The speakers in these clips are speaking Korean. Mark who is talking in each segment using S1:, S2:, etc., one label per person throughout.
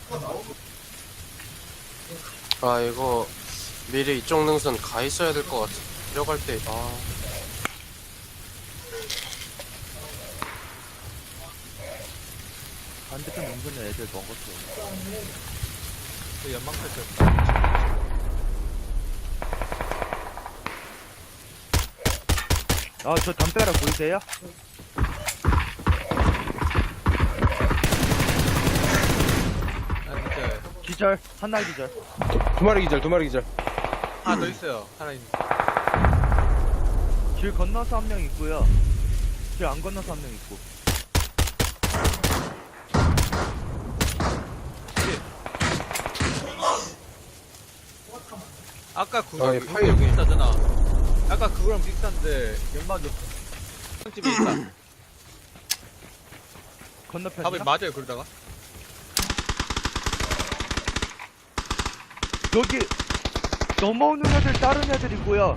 S1: 아 이거 미리 이쪽 능선 가 있어야 될 것 같아. 들어갈 때
S2: 반대편 능선에 애들 먹었어.
S3: 그 연막 펼쳤다.
S2: 아, 저 담벼락 보이세요?
S3: 아, 진짜.
S2: 기절, 한날 기절.
S4: 두 마리 기절, 두 마리 기절.
S3: 하나 더 있어요. 살아있는.
S2: 길 건너서 한 명 있고요. 길 안 건너서 한 명 있고.
S3: 아까 그거
S4: 아, 예, 파이.
S3: 여기 있다잖아. 아까 그거랑 비슷한데 연막 집에 있다.
S2: 건너편이요?
S3: 답이 맞아요 그러다가.
S2: 여기 넘어오는 애들 다른 애들 있고요.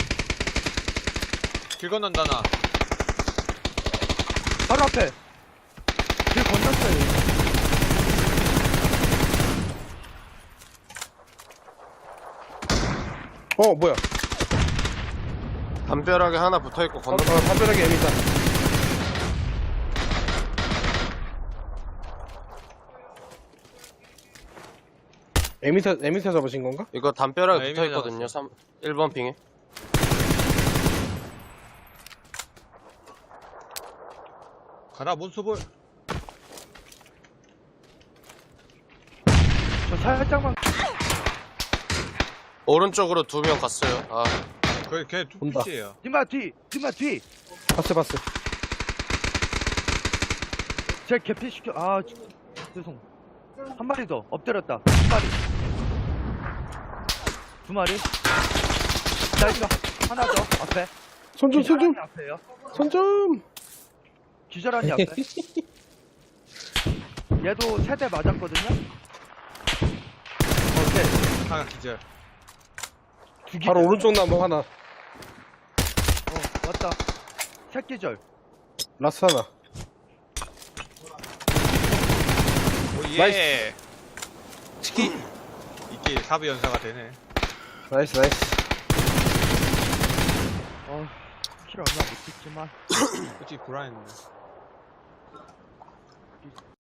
S3: 길 건넌다 나.
S2: 바로 앞에. 길 건넜어요.
S4: 뭐야?
S1: 담벼락에 하나 붙어있고 건너.
S4: 담벼락에 애미 있다. 에미사 잡으신 건가?
S1: 이거 담벼락에
S3: 아,
S1: 붙어있거든요. 1번 핑에.
S3: 가라 몬스볼.
S2: 저 살짝만.
S1: 오른쪽으로 2명 갔어요. 아
S3: 그게 걔
S4: 온다.
S3: 투피시에요.
S2: 니마 뒤! 니마 뒤!
S4: 봤어.
S2: 제 개피시켜. 아, 죄송. 한 마리 더. 엎드렸다. 한 마리. 두 마리. 자, 이거 하나 더. 앞에.
S4: 손 좀.
S2: 기절하니 앞에요.
S4: 손 좀.
S2: 기절하니 앞에. 얘도 세대 맞았거든요? 오케이.
S3: 하나 기절.
S2: 두 기절.
S4: 바로 오른쪽 나무 하나.
S2: 왔다. 새끼절.
S4: 라스 하나.
S3: 오예.
S4: 나이스.
S3: 치키. 이게 4부 연사가 되네.
S4: 나이스.
S2: 킬 얼마 못 찍지만.
S3: 솔직히 불안했네.